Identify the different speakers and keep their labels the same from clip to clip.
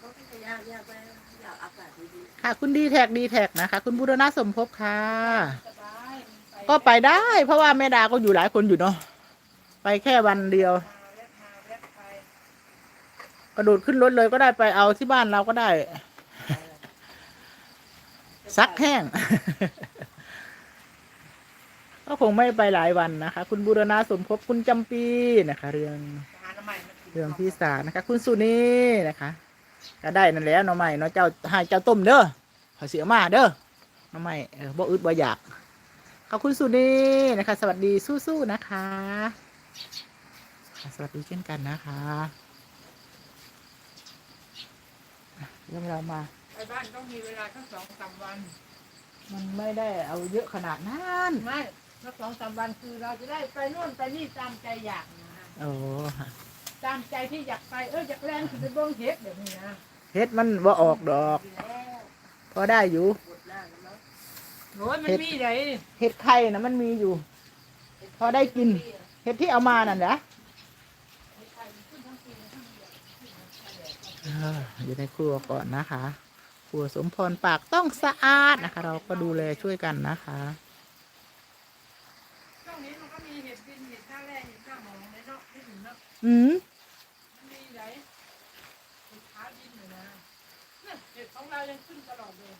Speaker 1: ค่ะคุณดีแท็กนะคะคุณบูรณะสมภพค่ะก็ไปได้เพราะว่าแม่ดาก็อยู่หลายคนอยู่เนาะไปแค่วันเดียวกระโดดขึ้นรถเลยก็ได้ไปเอาที่บ้านเราก็ได้ซักแห้ง ก็คงไม่ไปหลายวันนะคะคุณบูรณะสมภพคุณจำปีนะคะเรื่องพี่สาวนะคะคุณสุนีนะคะก็ได้นั่นแหละน้องใหม่เนาะเจ้าให้เจ้าต้มเด้อขอเสียมาเด้อน้องใหม่บ่อึดบ่อยากขอบคุณสุนีนะคะสวัสดีสู้ๆนะคะสวัสดีเช่นกันนะคะเรื่องเรามา
Speaker 2: ไปบ้านต้องมีเวลาแค่2-3 วัน
Speaker 1: มันไม่ได้เอาเยอะขนาดนั้น
Speaker 2: ไม่สัก2-3 วันคือเราจะได้ไปนู่นไปนี่ตามใจอยากนะ
Speaker 1: โอ้
Speaker 2: ตามใจที่อยากไปอยากแรงคือไปเบิ้งเฮ็ดแบบนี้นะ
Speaker 1: เฮ็ดมันว่าออกดอกพอได้อยู่
Speaker 2: โอ้ยมันมีไหน
Speaker 1: เฮ็ดไข่นะมันมีอยู่พอได้กินเฮ็ดที่เอามานั่นแหละอยู่ในครัวก่อนนะคะครัวสมพรปากต้องสะอาดนะคะเราก็ดูแลช่วยกันนะคะ
Speaker 2: ช่วงนี้มันก็มีเห็ดดินเห็ดหน้าแร่เห็ดหน้าหมองในเนาะที่ถึงเนาะมีไหนเห็ดขาวดินอยู่นะเนี่ยเห็ดของเรายังขึ้นตลอดเลย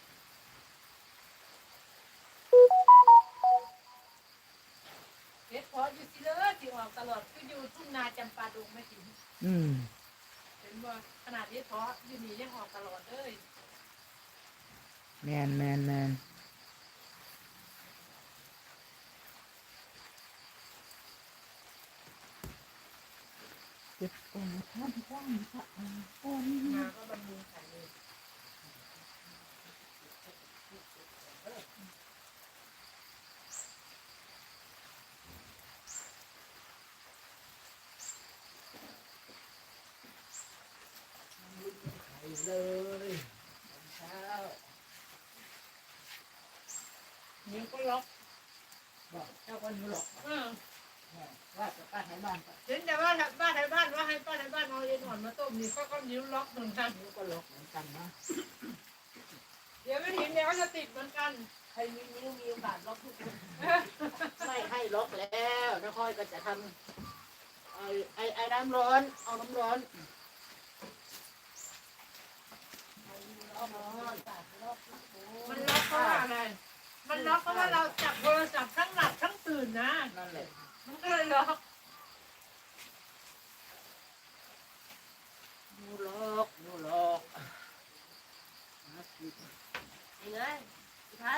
Speaker 2: เห็ดพออยู่สิเลยที่ออกตลอดก็อยู่ทุ่งนาจำปาดงไม่ถึงเห็นว่าขนาดเห็ดพออยู่นี่ยังออกตลอดเลย
Speaker 1: แมนเก็บก่อนท่านกว้างสะอาดก่อน
Speaker 2: มาก็บำรุงไข่เลย
Speaker 1: เลยเช้า
Speaker 2: นิ้วก็ล็อก
Speaker 1: บอกเจ้าคนนี้หรอกว่าจะป้าไทยบ้าน
Speaker 2: เห็นแต่ว่าบ้านไทยบ้านว่าให้ป้าไทยบ้านเอาเย็นอ่อนมาต้มนี่ก็นิ้วล็อกเหมือนกัน
Speaker 1: นิ้วก็ล็อกเหมือนกันนะ
Speaker 2: เดี๋ยวไม่เห็นเดี๋ยวก็จะติดเหมือนกัน
Speaker 1: ใครมีนิ้วมีโอกาสล็อกทุกคนไม่ให้ล็อกแล้วน้าค่อยก็จะทำไอ้น้ำร้อนเอาน้ำร้อน
Speaker 2: มันล็อกเพราะว่าอะไรมันล็อกเพราะว่าเราจับโทรศัพท์ทั้งหลับทั้งตื่นนะ
Speaker 1: นั่นแหละ
Speaker 2: มันก็เลยล็อก
Speaker 1: นูล็อกนี่เลยท่าน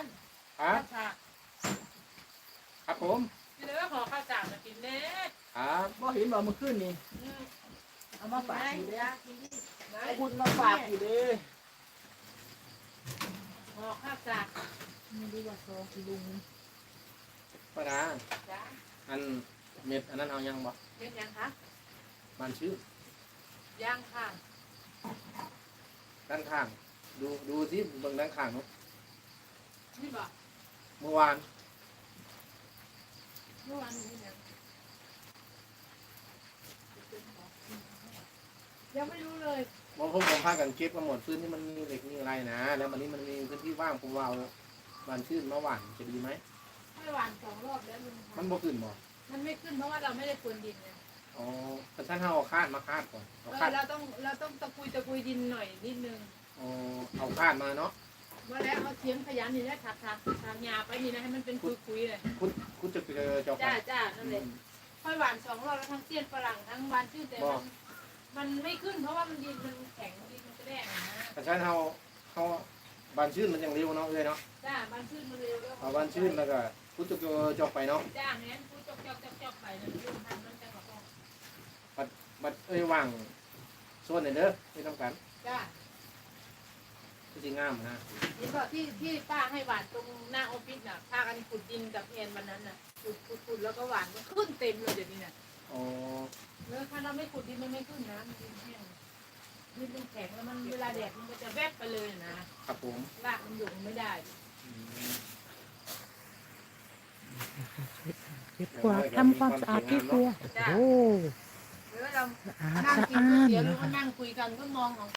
Speaker 3: ครับผม
Speaker 2: นี่เลยว่าขอข้าวสารมากินเน็ต
Speaker 1: ครับบ่เห็นบ่เมื่อคืนนี่เอามาฝากอยู่เลยเอาบุญมาฝากอยู่เลย
Speaker 2: ขอข้าวสาร
Speaker 1: ไม่รู้ว่าซอคุณลุง
Speaker 3: ป้าดาอันเม็ดอันนั้นเอายังบ่
Speaker 2: เม็ดยังคะ
Speaker 3: มันชื่อ
Speaker 2: ยังค่ะ
Speaker 3: ด้านข้างดูสิเบิ่งด้านข้างเนาะ
Speaker 2: นี่บ่
Speaker 3: เมื่อวาน
Speaker 2: นี่ยังไม่รู้เลย
Speaker 3: ว่าผมพากันเก็บมาหมดพื้นที่มันมีเหล็กมีอะไรนะแล้ววันนี้มันมีพื้นที่ว่างผมว่าเอาบานชื่นมาหว่านจะดีไหม
Speaker 2: ไม่หว่าน2 รอบแล้วลุง
Speaker 3: มันบ่ขึ้นบ่
Speaker 2: มันไม่ขึ้นเพราะว่าเราไม่ได้พรวนดินไง
Speaker 3: อ๋อแต่ท่านเอาคาดมาคาดก่อน
Speaker 2: เราต้องตะกุยดินหน่อยนิดนึง
Speaker 3: อ๋อเอาคาดมาเนาะ
Speaker 2: ว่าแล้วเอาเทียมขยันนี่แหละถักหญ้าไปนี่นะให้มันเป็นคุยเลย
Speaker 3: คุณจะจอก
Speaker 2: จ้านั่นแหละค่อยหวาน2 รอบแล้วทั้งเสี้ยนฝรั่งทั้งบานชื่นแต่มันไม่ขึ้นเพราะว่ามันดินมันแข็งดินมันกระแดงนะ
Speaker 3: แต่ท่านเอาบานชื่นมันยังเร็วเนาะเลยเนาะ
Speaker 2: จ้าบานชื่นมันเร็ว
Speaker 3: เอาบานชื่นแล้วก็คุณจะจอกไปเนาะ
Speaker 2: จ้าเนี่ยคุณจอกไปนะลุงทำมันจะกระป๋อง
Speaker 3: บัดว่างส่วนไหนเด้อไม่ต้องกัน
Speaker 2: จ้า
Speaker 3: จริงงามนะ
Speaker 2: นี่ก็ที่ป้าให้หวานตรงหน้าออฟฟิศน่ะพากันขุดดินกับเอ็นวันนั้นน่ะขุดแล้วก็หวานมันขึ้นเต็มเลยเดี๋ยวนี้น่ะ
Speaker 3: อ๋อ
Speaker 2: แล้วถ้าเราไม่ขุดดินมันไม่ขึ้นนะมันดินแห้งดินแข็งแล้วมันเวลาแดดมันก็จะแวบไปเลยนะครับ
Speaker 3: ผม
Speaker 2: รากมันอยู่ไม่ได้
Speaker 1: เก็บกวาดทำความสะอาดที่ครัวโอ้
Speaker 2: แล้วเรานั่งกินก๋วยเตี๋ยวหรือว่านั่งคุยกันก็มองของ